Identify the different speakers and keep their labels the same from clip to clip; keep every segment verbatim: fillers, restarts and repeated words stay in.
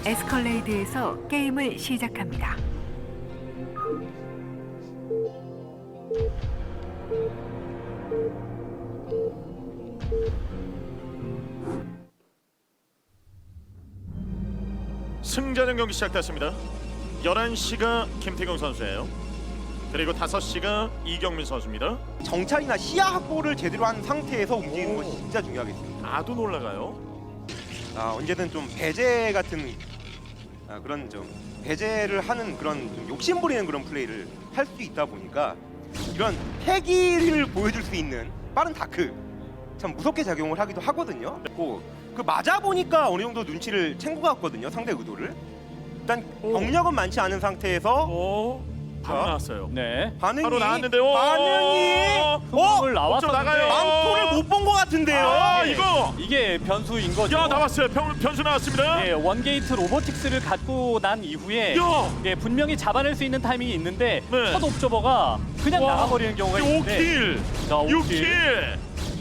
Speaker 1: 에스컬레이드에서 게임을 시작합니다.
Speaker 2: 승자전 경기 시작됐습니다. 열한 시가 김태경 선수예요. 그리고 다섯 시가 이경민 선수입니다.
Speaker 3: 정찰이나 시야 확보를 제대로 한 상태에서 움직이는
Speaker 2: 오.
Speaker 3: 것이 진짜 중요하겠습니다.
Speaker 2: 아둔 올라가요.
Speaker 3: 아, 언제든 좀 배제 같은 아, 그런 좀 배제를 하는 그런 좀 욕심 부리는 그런 플레이를 할 수 있다 보니까 이런 패기를 보여줄 수 있는 빠른 다크 참 무섭게 작용을 하기도 하거든요. 그, 그 맞아 보니까 어느 정도 눈치를 챈 것 같거든요. 상대 의도를. 일단
Speaker 2: 오.
Speaker 3: 병력은 많지 않은 상태에서
Speaker 2: 오, 바로
Speaker 3: 자.
Speaker 2: 나왔어요.
Speaker 4: 네.
Speaker 3: 반응이
Speaker 2: 바로 나왔는데요.
Speaker 3: 반응이 어?
Speaker 4: 을
Speaker 2: 좀 나가요.
Speaker 4: 나왔었는데
Speaker 3: 망토를 못 본 것 같은데요.
Speaker 2: 아,
Speaker 4: 예.
Speaker 2: 이거.
Speaker 4: 이게 변수인 거죠.
Speaker 2: 야, 나왔어요. 변, 변수 나왔습니다.
Speaker 4: 예, 원게이트 로보틱스를 갖고 난 이후에
Speaker 2: 야,
Speaker 4: 예, 분명히 잡아낼 수 있는 타이밍이 있는데
Speaker 2: 네.
Speaker 4: 첫 옵저버가 그냥
Speaker 2: 와.
Speaker 4: 나가버리는 경우가 있는데
Speaker 2: 오 킬,
Speaker 4: 자, 오
Speaker 2: 육
Speaker 4: 킬.
Speaker 2: 킬,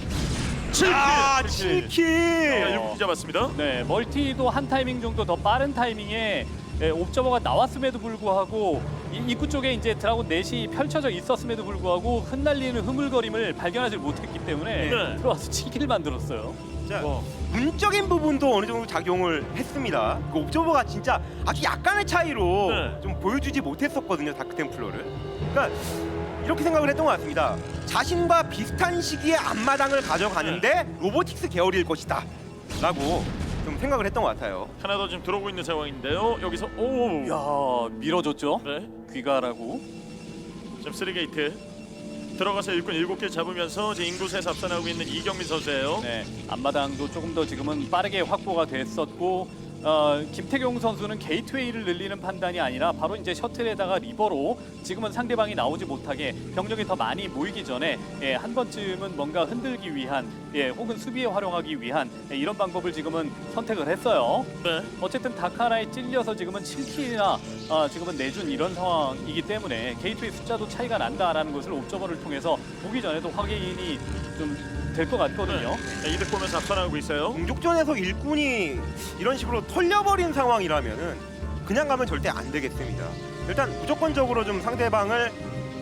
Speaker 2: 칠 킬.
Speaker 3: 아,
Speaker 4: 칠 킬.
Speaker 3: 칠 킬.
Speaker 2: 야, 일곱 킬 잡았습니다.
Speaker 4: 네, 멀티도 한 타이밍 정도 더 빠른 타이밍에 예, 옵저버가 나왔음에도 불구하고 이 입구 쪽에 이제 드라곤 넷이 펼쳐져 있었음에도 불구하고 흩날리는 흐물거림을 발견하지 못했기 때문에
Speaker 2: 네.
Speaker 4: 들어와서 치기를 만들었어요.
Speaker 3: 자,
Speaker 2: 와.
Speaker 3: 문적인 부분도 어느 정도 작용을 했습니다. 그 옵저버가 진짜 아주 약간의 차이로
Speaker 2: 네.
Speaker 3: 좀 보여주지 못했었거든요, 다크 템플러를. 그러니까 이렇게 생각을 했던 것 같습니다. 자신과 비슷한 시기에 앞마당을 가져가는데 로보틱스 계열일 것이다 라고 좀 생각을 했던 것 같아요.
Speaker 2: 하나 더 지금 들어오고 있는 상황인데요. 여기서 오,
Speaker 4: 야, 밀어줬죠.
Speaker 2: 네,
Speaker 4: 귀가라고.
Speaker 2: 지금 쓰리 게이트 들어가서 일꾼 일곱 개 잡으면서 이제 인구수에서 앞서나가고 있는 이경민 선수예요.
Speaker 4: 네, 앞마당도 조금 더 지금은 빠르게 확보가 됐었고 어, 김태경 선수는 게이트웨이를 늘리는 판단이 아니라 바로 이제 셔틀에다가 리버로 지금은 상대방이 나오지 못하게 병력이 더 많이 모이기 전에 예, 한 번쯤은 뭔가 흔들기 위한 예, 혹은 수비에 활용하기 위한 예, 이런 방법을 지금은 선택을 했어요.
Speaker 2: 네,
Speaker 4: 어쨌든 다카나에 찔려서 지금은 칠 킬이나 아, 지금은 내준 이런 상황이기 때문에 게이트웨이 숫자도 차이가 난다라는 것을 옵저버를 통해서 보기 전에도 확인이 좀 될 것 같거든요.
Speaker 2: 네, 이득 보면서 앞서나가고 있어요.
Speaker 3: 공족전에서 일꾼이 이런 식으로 털려버린 상황이라면은 그냥 가면 절대 안 되겠습니다. 일단 무조건적으로 좀 상대방을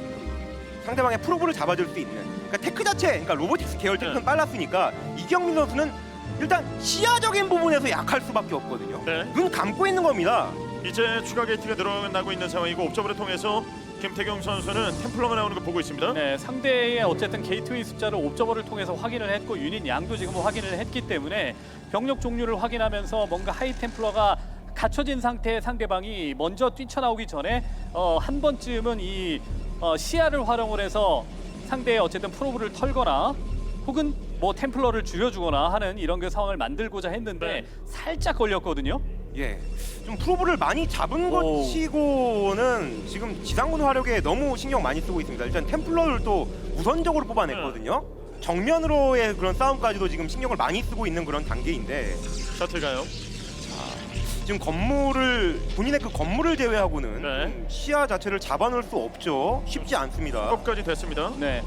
Speaker 3: 상대방의 프로브를 잡아줄 수 있는 그러니까 테크 자체, 그러니까 로보틱스 계열 테크는
Speaker 2: 네.
Speaker 3: 빨랐으니까 이경민 선수는 일단 시야적인 부분에서 약할 수밖에 없거든요.
Speaker 2: 네,
Speaker 3: 눈 감고 있는 겁니다.
Speaker 2: 이제 추가 게이트가 늘어나고 있는 상황이고 옵저버를 통해서 김태경 선수는 템플러만 나오는 거 보고 있습니다.
Speaker 4: 네, 상대의 어쨌든 게이트웨이 숫자를 옵저버를 통해서 확인을 했고 유닛 양도 지금 확인을 했기 때문에 병력 종류를 확인하면서 뭔가 하이템플러가 갖춰진 상태의 상대방이 먼저 뛰쳐나오기 전에 어, 한 번쯤은 이 어, 시야를 활용을 해서 상대의 어쨌든 프로브를 털거나 혹은 뭐 템플러를 줄여주거나 하는 이런 그 상황을 만들고자 했는데
Speaker 2: 네.
Speaker 4: 살짝 걸렸거든요.
Speaker 3: 예, 좀 프로브를 많이 잡은
Speaker 4: 오.
Speaker 3: 것치고는 지금 지상군 화력에 너무 신경 많이 쓰고 있습니다. 일단 템플러를 또 우선적으로 뽑아냈거든요. 정면으로의 그런 싸움까지도 지금 신경을 많이 쓰고 있는 그런 단계인데
Speaker 2: 셔틀 가요.
Speaker 3: 지금 건물을 본인의 그 건물을 제외하고는
Speaker 2: 네.
Speaker 3: 좀 시야 자체를 잡아놓을 수 없죠. 쉽지 않습니다.
Speaker 2: 끝까지 됐습니다.
Speaker 4: 네,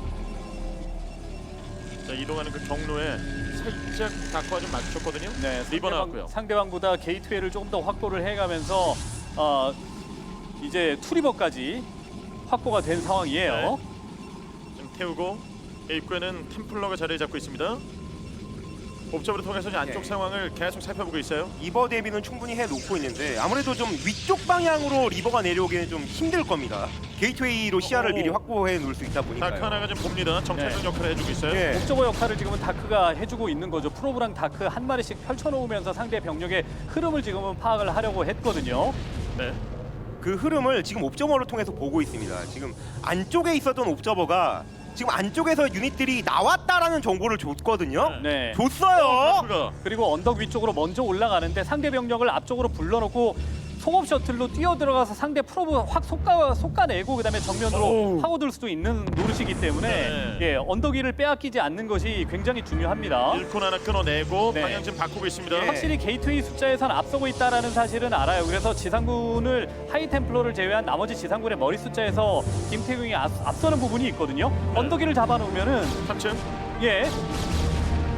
Speaker 2: 자, 이동하는 그 경로에 살짝 다크와 좀 맞췄거든요.
Speaker 4: 네,
Speaker 2: 리버 나왔고요.
Speaker 4: 상대방, 상대방보다 게이트웨이를 조금 더 확보를 해가면서 어, 이제 투리버까지 확보가 된 상황이에요.
Speaker 2: 네. 좀 태우고 입구에는 템플러가 자리를 잡고 있습니다. 옵저버를 통해서 이제 안쪽
Speaker 3: 네.
Speaker 2: 상황을 계속 살펴보고 있어요.
Speaker 3: 리버 대비는 충분히 해놓고 있는데 아무래도 좀 위쪽 방향으로 리버가 내려오기는 좀 힘들 겁니다. 게이트웨이로 시야를
Speaker 2: 오.
Speaker 3: 미리 확보해 놓을 수 있다 보니까요.
Speaker 2: 다크 하나가 좀 봅니다. 정찰전
Speaker 4: 네.
Speaker 2: 역할을 해주고 있어요.
Speaker 3: 예.
Speaker 4: 옵저버 역할을 지금은 다크가 해주고 있는 거죠. 프로브랑 다크 한 마리씩 펼쳐놓으면서 상대 병력의 흐름을 지금은 파악을 하려고 했거든요.
Speaker 2: 네.
Speaker 3: 그 흐름을 지금 옵저버를 통해서 보고 있습니다. 지금 안쪽에 있었던 옵저버가 지금 안쪽에서 유닛들이 나왔다라는 정보를 줬거든요.
Speaker 4: 네.
Speaker 3: 줬어요.
Speaker 2: 다크가
Speaker 4: 그리고 언덕 위쪽으로 먼저 올라가는데 상대 병력을 앞쪽으로 불러놓고 송업 셔틀로 뛰어 들어가서 상대 프로브 확 솎아, 솎아내고 그다음에 정면으로
Speaker 2: 오우.
Speaker 4: 파고들 수도 있는 노릇이기 때문에
Speaker 2: 네.
Speaker 4: 예, 언덕 위를 빼앗기지 않는 것이 굉장히 중요합니다.
Speaker 2: 일콘 하나 끊어내고
Speaker 4: 네.
Speaker 2: 방향 지금 바꾸고 있습니다.
Speaker 3: 예.
Speaker 4: 확실히 게이트웨이 숫자에선 앞서고 있다라는 사실은 알아요. 그래서 지상군을 하이템플러를 제외한 나머지 지상군의 머리 숫자에서 김태경이 앞, 앞서는 부분이 있거든요.
Speaker 2: 네.
Speaker 4: 언덕 위를 잡아놓으면은
Speaker 2: 삼 층.
Speaker 4: 예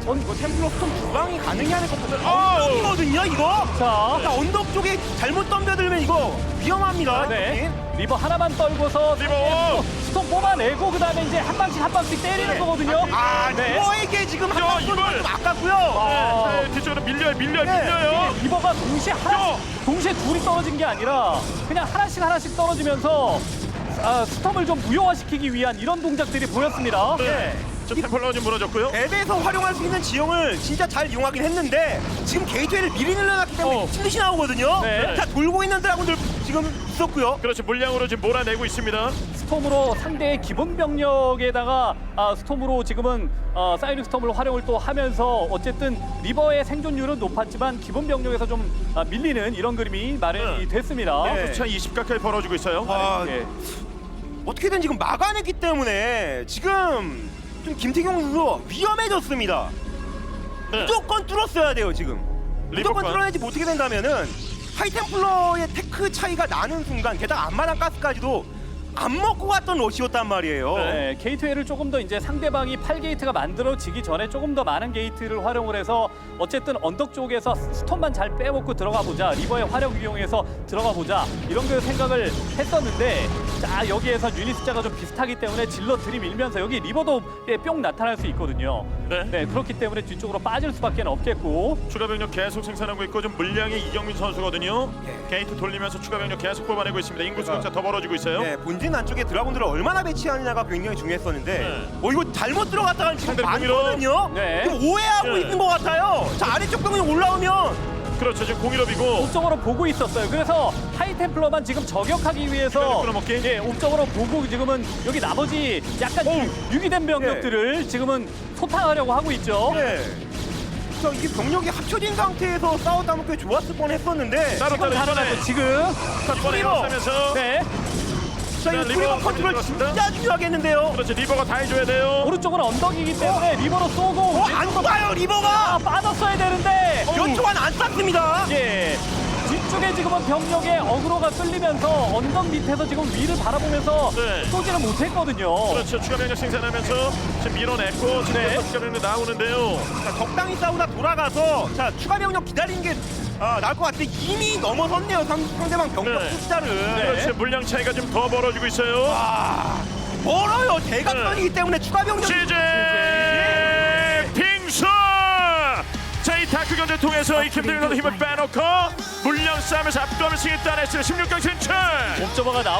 Speaker 3: 전 이거 템플러 스톰 두 방이 가능해야 될 것 같아요.
Speaker 2: 아우.
Speaker 3: 언덕이거든요, 이거.
Speaker 4: 자,
Speaker 3: 자, 언덕 쪽에 잘못 덤벼들면 이거 위험합니다.
Speaker 4: 네.
Speaker 3: 여긴.
Speaker 4: 리버 하나만 떨고서
Speaker 2: 리버.
Speaker 4: 스톰 뽑아내고 그다음에 이제 한 방씩 한 방씩 때리는 거거든요.
Speaker 3: 아,
Speaker 4: 네.
Speaker 3: 리버에게 지금
Speaker 2: 야,
Speaker 3: 한방 쏘는
Speaker 2: 이걸.
Speaker 3: 건좀 아깝고요.
Speaker 4: 아.
Speaker 2: 네, 뒤쪽으로 밀려요, 밀려요,
Speaker 3: 네.
Speaker 2: 밀려요.
Speaker 4: 리버가 동시에 하나,
Speaker 2: 야.
Speaker 4: 동시에 둘이 떨어진 게 아니라 그냥 하나씩 하나씩 떨어지면서 아, 스톰을 좀 무효화시키기 위한 이런 동작들이 보였습니다.
Speaker 2: 네. 저 템플러가 좀 무너졌고요.
Speaker 3: 앱에서 활용할 수 있는 지형을 진짜 잘 이용하긴 했는데 지금 게이트웨이를 미리 늘려놨기 때문에
Speaker 2: 어.
Speaker 3: 미친 듯이 나오거든요.
Speaker 4: 네.
Speaker 3: 자, 돌고 있는 드라군들 지금 있었고요.
Speaker 2: 그렇죠, 물량으로 지금 몰아내고 있습니다.
Speaker 4: 스톰으로 상대의 기본 병력에다가 아, 스톰으로 지금은 어, 사이닉 스톰을 활용을 또 하면서 어쨌든 리버의 생존율은 높았지만 기본 병력에서 좀 아, 밀리는 이런 그림이 마련이
Speaker 2: 네.
Speaker 4: 됐습니다.
Speaker 3: 네.
Speaker 2: 차 이십 가까이 벌어지고 있어요.
Speaker 3: 와,
Speaker 4: 예.
Speaker 3: 어떻게든 지금 막아냈기 때문에 지금 좀 김태경 선수 위험해졌습니다.
Speaker 2: 네.
Speaker 3: 무조건 뚫었어야 돼요 지금. 무조건
Speaker 2: 리버가.
Speaker 3: 뚫어내지 못하게 된다면은 하이템플러의 테크 차이가 나는 순간 게다가 앞마당 가스까지도 안 먹고 갔던 러시였단 말이에요.
Speaker 4: 네, 게이트웨이를 조금 더 이제 상대방이 팔 게이트가 만들어지기 전에 조금 더 많은 게이트를 활용을 해서 어쨌든 언덕 쪽에서 스톰만 잘 빼먹고 들어가 보자, 리버의 화력 이용해서 들어가 보자 이런 그 생각을 했었는데 자 여기에서 유닛 숫자가 좀 비슷하기 때문에 질러 들이밀면서 여기 리버도 예, 뿅 나타날 수 있거든요.
Speaker 2: 네.
Speaker 4: 네, 그렇기 때문에 뒤쪽으로 빠질 수밖에 없겠고
Speaker 2: 추가 병력 계속 생산하고 있고 좀 물량이 이경민 선수거든요.
Speaker 3: 예.
Speaker 2: 게이트 돌리면서 추가 병력 계속 뽑아내고 있습니다. 인구
Speaker 3: 제가-
Speaker 2: 숫자 더 벌어지고 있어요.
Speaker 3: 네, 본진 안쪽에 드라군들을 얼마나 배치하느냐가 굉장히 중요했었는데
Speaker 2: 네.
Speaker 3: 어 이거 잘못 들어갔다가 지금
Speaker 2: 상대를
Speaker 3: 많거든요.
Speaker 4: 네.
Speaker 3: 지금 오해하고
Speaker 2: 네.
Speaker 3: 있는 것 같아요. 자, 아래쪽 병이 올라오면
Speaker 2: 그렇죠, 지금 공일업이고.
Speaker 4: 옥적으로 보고 있었어요. 그래서 하이템플러만 지금 저격하기 위해서
Speaker 2: 끌어먹기?
Speaker 4: 예, 옥적으로 보고 지금은 여기 나머지 약간 유- 유기된 병력들을 지금은 소탕하려고 하고 있죠.
Speaker 3: 네. 자, 이게 병력이 합쳐진 상태에서 싸웠다면 꽤 좋았을 뻔했었는데
Speaker 2: 따로
Speaker 4: 지금
Speaker 2: 따로
Speaker 4: 살아나고
Speaker 2: 이번에
Speaker 4: 지금
Speaker 2: 이번에
Speaker 3: 리버.
Speaker 2: 일어서면서
Speaker 4: 네
Speaker 3: 자, 이거
Speaker 2: 자, 리버
Speaker 3: 트리버
Speaker 2: 컨트롤
Speaker 3: 컨트롤
Speaker 2: 들어갔습니다.
Speaker 3: 진짜 중요하겠는데요.
Speaker 2: 그렇죠, 리버가 다 해줘야 돼요.
Speaker 4: 오른쪽은 언덕이기 때문에 리버로 쏘고
Speaker 3: 어, 안 쏴요
Speaker 4: 아,
Speaker 3: 리버가.
Speaker 4: 빠졌어야 되는데
Speaker 3: 몇 초간 안 쐈습니다.
Speaker 4: 예 뒤쪽에 지금은 병력의 어그로가 끌리면서 언덕 밑에서 지금 위를 바라보면서
Speaker 2: 네.
Speaker 4: 쏘지는 못했거든요.
Speaker 2: 그렇죠, 추가 병력 생산하면서 지금 밀어냈고 지금
Speaker 4: 네.
Speaker 2: 네. 추가 병력 나오는데요.
Speaker 3: 자, 적당히 싸우다 돌아가서 자 추가 병력 기다리는 게 아, 나을 것 같은데 이미 넘어섰네요 상, 상대방 병력
Speaker 2: 네.
Speaker 3: 숫자를.
Speaker 2: 그렇죠, 물량 차이가 좀 더 벌어지고 있어요.
Speaker 3: 아, 멀어요 대각선이기 때문에 추가 병력.
Speaker 2: 시제 빙수. 자, 이 다크 견제 통해서 이 김대중 선수 힘을 빼놓고 물량 싸움에서 압도하는 승리 따냈어요. 십육 강 진출.
Speaker 4: 옵저버가 나오